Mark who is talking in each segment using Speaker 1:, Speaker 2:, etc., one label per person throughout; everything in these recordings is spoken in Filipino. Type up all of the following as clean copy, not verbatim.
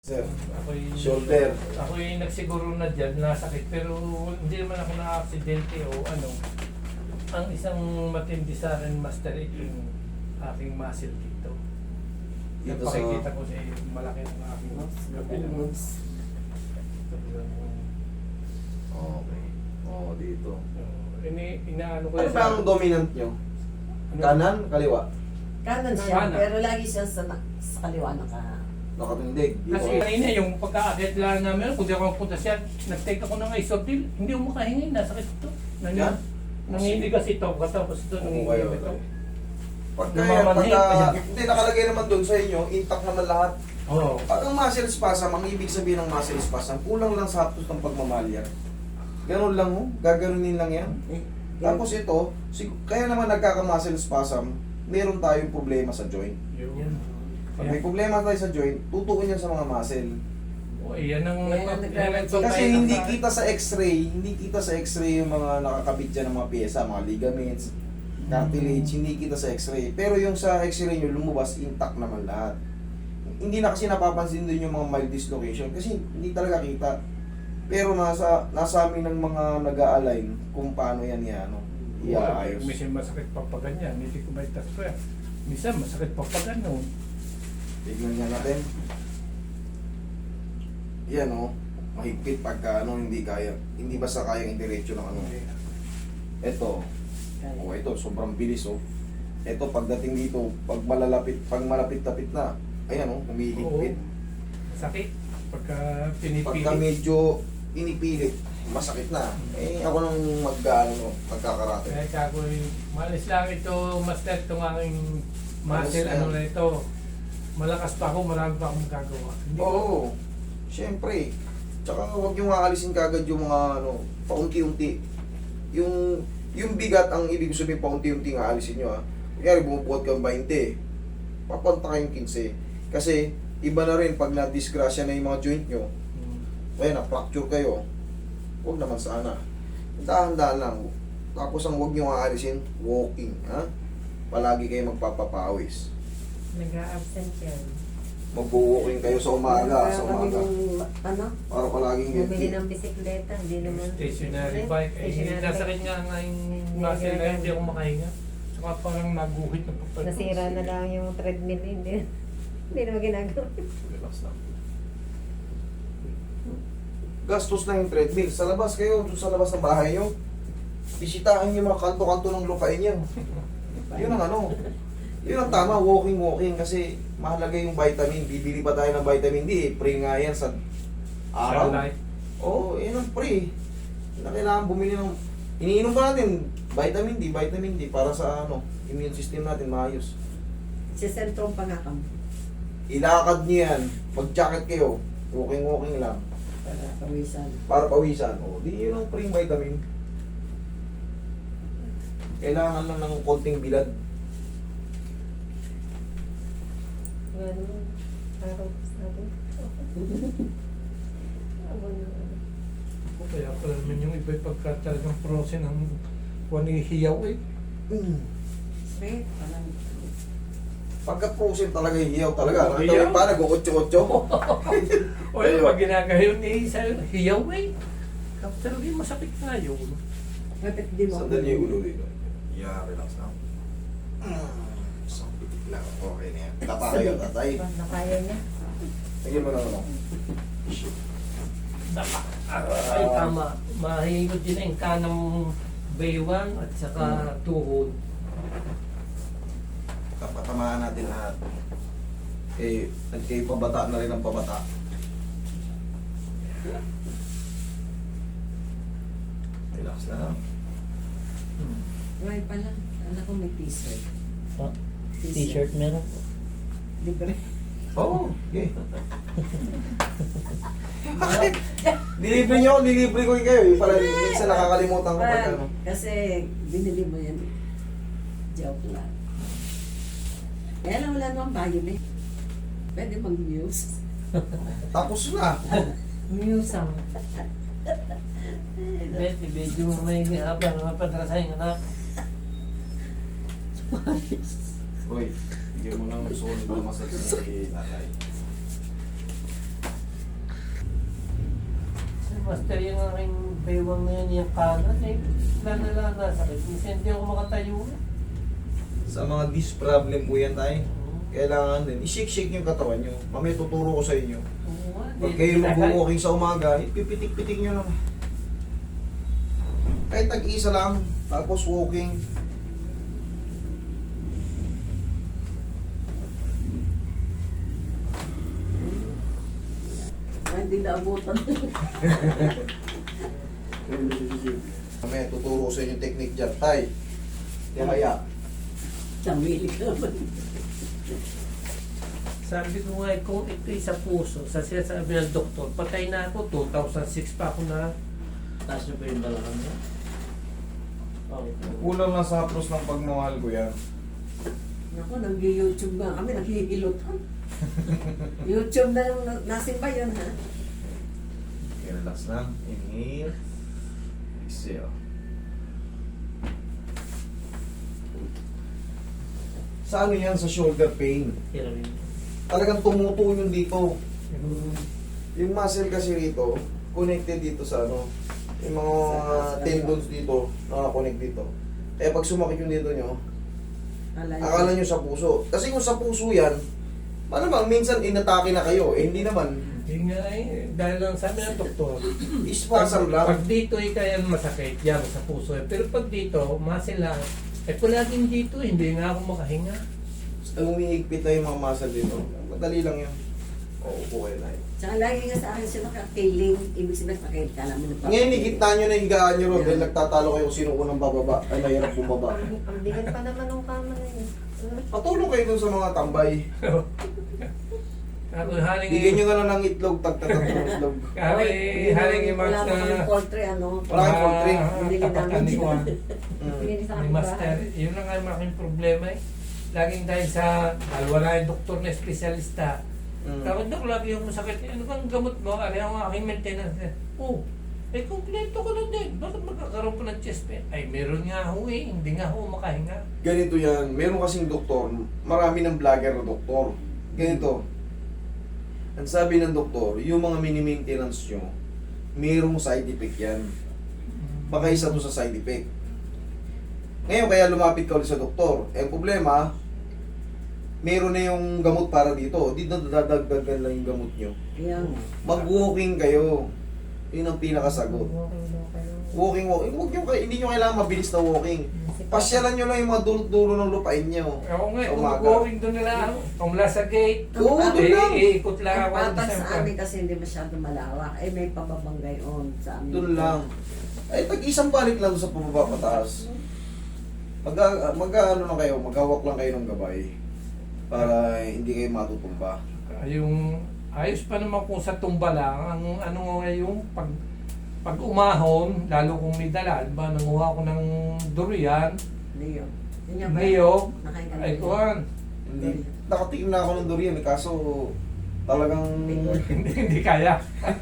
Speaker 1: Sir,
Speaker 2: Ako'y,
Speaker 1: shoulder.
Speaker 2: ako'y nagsiguro na dyan, nasakit, pero hindi naman ako na-aksidente o ano. Ang isang matindi sa akin, Master, yung aking muscle dito.
Speaker 1: Dito sa...
Speaker 2: Napakikita ko sa malaki ng aking kabilang.
Speaker 1: Okay. Oo, dito.
Speaker 2: Inaano ko
Speaker 1: Ano
Speaker 2: yan
Speaker 1: ba ang dominant nyo?
Speaker 2: Ano?
Speaker 1: Kanan, kaliwa?
Speaker 3: Kanan siya,
Speaker 2: Kanan.
Speaker 3: pero lagi siya sa kaliwa
Speaker 1: Nakatindig. Dito.
Speaker 2: Kasi kanina yung pagka-akit lang namin, kung di ako punta siya, nag-take ako ng isotil, hindi ako makahingi, nasakit ito.
Speaker 1: Yan?
Speaker 2: Nanginig kasi ito, katapos ito,
Speaker 1: Oo,
Speaker 2: nanginig
Speaker 1: kayo.
Speaker 2: ito.
Speaker 1: Pagka, hindi nakalagay naman doon sa inyo, intact naman lahat.
Speaker 2: Oo.
Speaker 1: Pag ang muscle spasm, ang ibig sabihin ng muscle spasm, kulang lang sa haptos ng pagmamalyar. Ganun lang mo, gaganunin lang yan. Tapos ito, kaya naman nagkaka-muscle spasm, meron tayong problema sa joint.
Speaker 2: Yun.
Speaker 1: Pag may problema tayo sa joint, tutuon yan sa mga muscle.
Speaker 2: Oh, yan ang
Speaker 1: Kasi hindi kita sa x-ray, yung mga nakakabit dyan ng mga pyesa, mga ligaments, cartilage, hindi kita sa x-ray. Pero yung sa x-ray nyo, lumabas, intact naman lahat. Hindi na kasi napapansin din yung mga mild dislocation kasi hindi talaga kita. Pero nasa amin ng mga nag-a-align kung paano yan iaayos.
Speaker 2: Minsan masakit pa pa ganyan, hindi ko may taspa. Minsan masakit pa pa ganun.
Speaker 1: Tignan nga natin. Yan mahigpit pagka hindi kaya. Hindi basta kayang indiretso ng Ito. Ito, sobrang bilis Ito, pagdating dito, pag malapit-tapit na, ayan humihigpit.
Speaker 2: Sakit. Pagka pinipilit.
Speaker 1: Pagka medyo inipilit, masakit na. Ako nang magkakarate.
Speaker 2: Kaya ako'y malis lang ito, Master, itong aking muscle,
Speaker 1: Malis lang.
Speaker 2: na ito. Malakas pa ako, marami pa akong gagawa.
Speaker 1: Oo. Siyempre. Tsaka huwag yung aalisin kagad yung mga paunti-unti. Yung bigat, ang ibig sabihin paunti-unti nga aalisin nyo Kunyari, bumubuhat kang 20. Papanta kayong 15. Kasi, iba na rin pag na-disgrasya na yung mga joint nyo. Kaya na-fracture kayo. Huwag naman sana. Dahan-dahan lang. Tapos ang huwag nyo aalisin, walking. Palagi kayo magpapapawis.
Speaker 3: Nag-a-absent yan.
Speaker 1: Mag-walking kayo sa umaga. Para palaging
Speaker 3: Bumili ng bisikleta, hindi naman.
Speaker 2: Stationary bike. Nasakit nga yung muscle na yun, hindi ako makahinga. Saka parang naguhit na papalit.
Speaker 3: Nasira na lang yung treadmill, hindi naman ginagawa.
Speaker 1: Relax lang. Gastos na yung treadmill. Sa labas kayo, sa labas ng bahay nyo, bisitahin yung mga kanto-kanto ng lupain nyo. Yun ang yun ang tama, walking kasi mahalaga yung vitamin. Bibili pa tayo ng vitamin D, pre nga yan sa araw.
Speaker 2: Sunlight.
Speaker 1: Oo, yun ang pre. Yun ang kailangan bumili ng... Iniinom pa natin, vitamin D para sa immune system natin maayos.
Speaker 3: Sa sentrong pangakam.
Speaker 1: Ilakad niyo yan, mag-jacket kayo, walking lang.
Speaker 3: Para pawisan.
Speaker 1: Para pawisan. Di yun ang pre vitamin. Kailangan lang ng konting bilad.
Speaker 3: Ganun. Araw sabi.
Speaker 2: Kaya pala naman yung iba pagka talagang frozen ang hiyaw
Speaker 3: Straight, parang.
Speaker 1: Pagka frozen talaga, hiyaw talaga.
Speaker 2: Oo,
Speaker 1: Nakita mo
Speaker 2: hiyaw.
Speaker 1: yung pa, nag-8-8.
Speaker 2: O yun, pag ginagayon sa'yo, hiyaw Talaga yung masakit na yun.
Speaker 3: Kapit di mo.
Speaker 1: Sandali yung ulo dito. Yeah, relax lang. Isang pitik lang. Okay na yan. Tatay.
Speaker 3: Nakaya niya.
Speaker 1: Tingin mo na
Speaker 2: Ay, tama. Mahigod din ang kanang baywang at saka tuhod.
Speaker 1: Tapatamaan natin lahat. Nagkayo pabata na rin ang pabata. Relax lang.
Speaker 3: Right pala. Anak ko may t-shirt.
Speaker 4: T-shirt meron?
Speaker 3: Libre.
Speaker 1: Oo. Okay. Dilibre nyo, dilibre ko kayo. Yung pala, minsan nakakalimutan ko pag
Speaker 3: Kasi binili mo yan. Joke lang. Kaya lang wala namang violet. Pwede mag-muse.
Speaker 1: Tapos na.
Speaker 3: Muse ang.
Speaker 4: Betty, medyo may mapadrasay ng anak.
Speaker 1: Uy, bigyan mo ng solid na massage sa tatay.
Speaker 4: Master, yung aking baywang na yun, yung kanan, eh, lang nasakit. Minsan hindi ako makatayo.
Speaker 1: Sa mga disc problem po yan tayo. Kailangan din, i-shake-shake yung katawan nyo. Mamaya tuturo ko sa inyo.
Speaker 4: Oo nga,
Speaker 1: Pag kayo mag-walking sa umaga, ipipitik-pitik nyo lang. Kahit tag-isa lang, tapos walking.
Speaker 3: Ay, hindi naabutan.
Speaker 1: Mamaya tuturo ko sa inyo yung technique dyan. Tay, kaya.
Speaker 3: Damili ka naman.
Speaker 2: Sabi ko nga, kung ito'y sa puso, sa sinasabi ng doktor, patay na ako, 2006 pa ako na.
Speaker 4: Taas nyo pa yung balakang niya. Okay.
Speaker 1: Kulang na sa hapros ng pagmamahal ko yan.
Speaker 3: Ako, nag-YouTube nga kami, naghihilot. YouTube na yung nasimba yun, ha?
Speaker 1: Okay, relax lang. Inhale. Exhale. Sa ano yan? Sa shoulder pain.
Speaker 4: Hirawin.
Speaker 1: Talagang tumutuon yung dito. Yung muscle kasi rito, connected dito sa ano, yung mga
Speaker 3: Sa-
Speaker 1: tendons dito, nakakonect dito. Kaya pag sumakit yung dito nyo,
Speaker 3: Alay.
Speaker 1: akala nyo sa puso. Kasi kung sa puso yan, malamang minsan inatake na kayo. Eh hindi naman.
Speaker 2: Hindi nga eh, dahil lang sabi ng doktor,
Speaker 1: Spasm lang.
Speaker 2: pag dito ay kaya masakit, yan sa puso. Pero pag dito, muscle lang. Eh kung laging dito, hindi nga ako makahinga.
Speaker 1: Umiigpit na yung mga muscle dito. Madali lang yun. Oo, upo kayo na yun.
Speaker 3: Tsaka lagi nga sa akin siya nakakiling, ibig sabihin pakil ka namin.
Speaker 1: Ngayon, higit na nyo na higaan nyo ron dahil nagtatalo kayo kung sino unang bababa. Ay, mahirap bumaba.
Speaker 5: Ang bigat pa naman ng kama na yun.
Speaker 1: Patulong kayo dun sa mga tambay.
Speaker 2: Ako haling
Speaker 1: Bigyan nyo na lang ng itlog, tagtatatong itlog.
Speaker 2: haling yung
Speaker 3: Wala
Speaker 2: mga
Speaker 3: pa kami poultry, ano?
Speaker 1: Wala kang poultry.
Speaker 3: Binili namin
Speaker 2: kapatan ko.
Speaker 3: yun.
Speaker 1: Mm.
Speaker 5: Pinili sa
Speaker 2: Ni
Speaker 5: akin
Speaker 2: Master, yun lang ang aking problema eh. Laging dahil sa, dahil wala yung doktor na espesyalista.
Speaker 1: Mm.
Speaker 2: Tapos dok, lagi yung masakit. Ano bang gamot mo? Ano ang aking maintenance? Oh, eh kompleto ko na din. Bakit magkakaroon ko ng chest pain? Ay, meron nga ho eh. Hindi nga ho makahinga.
Speaker 1: Ganito yan. Meron kasing doktor, marami ng vlogger na doktor. Ganito. Ang sabi ng doktor, yung mga mini-maintenance nyo, merong side effect yan. Baka isa to sa side effect. Ngayon, kaya lumapit ka ulit sa doktor. Eh, problema, meron na yung gamot para dito. Di na dadagdagan lang yung gamot nyo.
Speaker 3: Kaya nga.
Speaker 1: Mag-walking kayo. Yun ang pinakasagot. Walking. Huwag nyo, hindi nyo kailangan mabilis na walking. Pasyalan nyo lang yung mga dulot-dulo ng lupain nyo.
Speaker 2: Ako nga,
Speaker 1: Sa
Speaker 2: kung
Speaker 1: umaga.
Speaker 2: mag-going doon nila ako. Kung mula sa gate,
Speaker 1: Oo, doon lang.
Speaker 2: iikot lang
Speaker 3: Ang
Speaker 2: ako.
Speaker 3: patas
Speaker 2: Isang
Speaker 3: sa amin kasi hindi masyado malawak. Eh, may pababanggay on sa amin.
Speaker 1: Doon lang. Ay, tag-isang balik lang doon sa pababa pataas. Mag-ano lang kayo, maghawak lang kayo ng gabay. Para hindi kayo matutumba.
Speaker 2: Yung ayos pa naman kung sa tumba lang, ang ano nga yung pag umahon, lalo kung may dala, ba nanguha ko ng durian,
Speaker 3: Leo. Yun nga ba?
Speaker 2: niyog,
Speaker 3: Nakain ka na
Speaker 2: ay
Speaker 3: yun.
Speaker 2: kuhan.
Speaker 1: Hindi. Nakatikim na ako ng durian, eh, kaso talagang...
Speaker 2: Hindi kaya.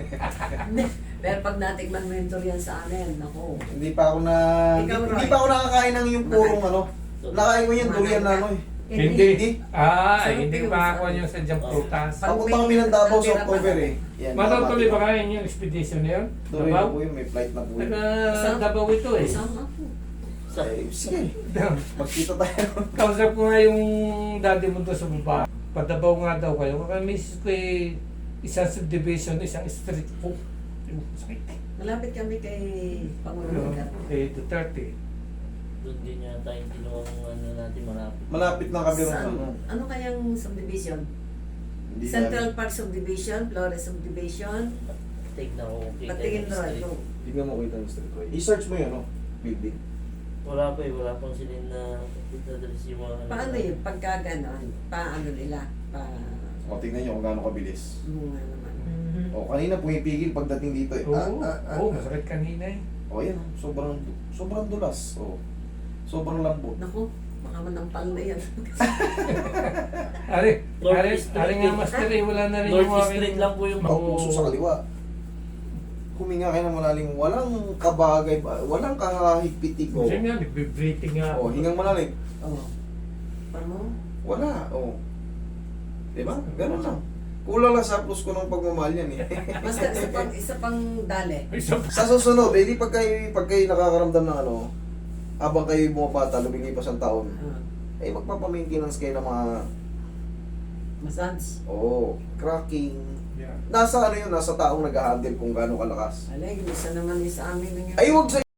Speaker 3: Pero pag natikman mo yung durian sa amin, ako.
Speaker 1: Hindi pa ako na...
Speaker 3: Ikaw,
Speaker 1: Hindi
Speaker 3: Roy.
Speaker 1: pa ako nakakain ng yung purong ano. Nakain ko yung durian na ano eh.
Speaker 2: Hindi. Ah,
Speaker 3: Sarap
Speaker 2: hindi
Speaker 3: yun,
Speaker 2: makakuha
Speaker 3: sarap.
Speaker 2: nyo sa diyang prutas.
Speaker 1: Papunta kami ng Davao sa October eh. Yan,
Speaker 2: Matutuloy ba kayo yung expedition na yun?
Speaker 1: Tuloy na
Speaker 2: Davao?
Speaker 1: po yun, may flight na po yun.
Speaker 2: Taga Davao ito eh.
Speaker 3: Sama ko.
Speaker 1: Eh, sige, magkita tayo.
Speaker 2: Kausap ko nga yung daddy mo doon sa baba. Padabaw nga daw kayo. Kaya misis ko eh, isang subdivision, isang street po. Sakit.
Speaker 3: Malapit kami kay Pangulong Lugar.
Speaker 2: Eh, Duterte.
Speaker 4: Doon din yata yung ginawang ano natin malapit.
Speaker 1: Malapit na kami rin
Speaker 3: Saan?
Speaker 1: ano.
Speaker 3: Ano kayang subdivision?
Speaker 1: Hindi
Speaker 3: Central
Speaker 1: na-
Speaker 3: Park Subdivision, Flores Subdivision.
Speaker 4: Tignan ko kung kita
Speaker 3: Patingin
Speaker 4: yung
Speaker 3: Roy.
Speaker 4: street.
Speaker 3: No.
Speaker 1: Hindi ka makita yung street Roy. I-search mo yun, no? Building.
Speaker 4: Wala pa eh, wala pang sila na address yung mga ano.
Speaker 3: Paano yun? Pagka ganon, paano nila?
Speaker 1: O, tingnan nyo kung gaano kabilis.
Speaker 3: Bunga naman.
Speaker 1: O, kanina pumipigil pagdating dito eh.
Speaker 2: Oo, masakit kanina eh.
Speaker 1: O, yan. Sobrang dulas. O, sobrang lambot.
Speaker 3: Naku, baka manampal na yan.
Speaker 2: Ari,
Speaker 4: North
Speaker 2: ari,
Speaker 4: East
Speaker 2: ari
Speaker 4: Street
Speaker 2: nga
Speaker 4: eh.
Speaker 2: master eh, wala na rin
Speaker 4: North
Speaker 2: yung
Speaker 4: East
Speaker 2: aking-
Speaker 4: Street lang po yung
Speaker 1: Ang puso sa kaliwa. Huminga kayo ng malalim. Walang kabagay ba? Walang kahigpitik. O,
Speaker 2: Kasi nga, nagbe-breathing nga ako.
Speaker 1: o hingang malalim.
Speaker 3: Oh. Paano?
Speaker 1: Wala. O. Diba? Ganun lang. Kulang lang sa plus ko ng pagmamahal yan eh.
Speaker 3: Basta isa pang dali.
Speaker 2: Isa pa.
Speaker 1: Sa susunod, eh, di pag kayo nakakaramdam ng ano, habang kayo bumabata, lumilipas ang taon, eh magpapamaintenance kayo ng mga,
Speaker 3: Massage.
Speaker 1: cracking.
Speaker 2: Yeah.
Speaker 1: Nasa ano yun, nasa taong nag-handle kung gaano kalakas.
Speaker 3: Alay, isa naman sa amin yung...
Speaker 1: Ay, wag sa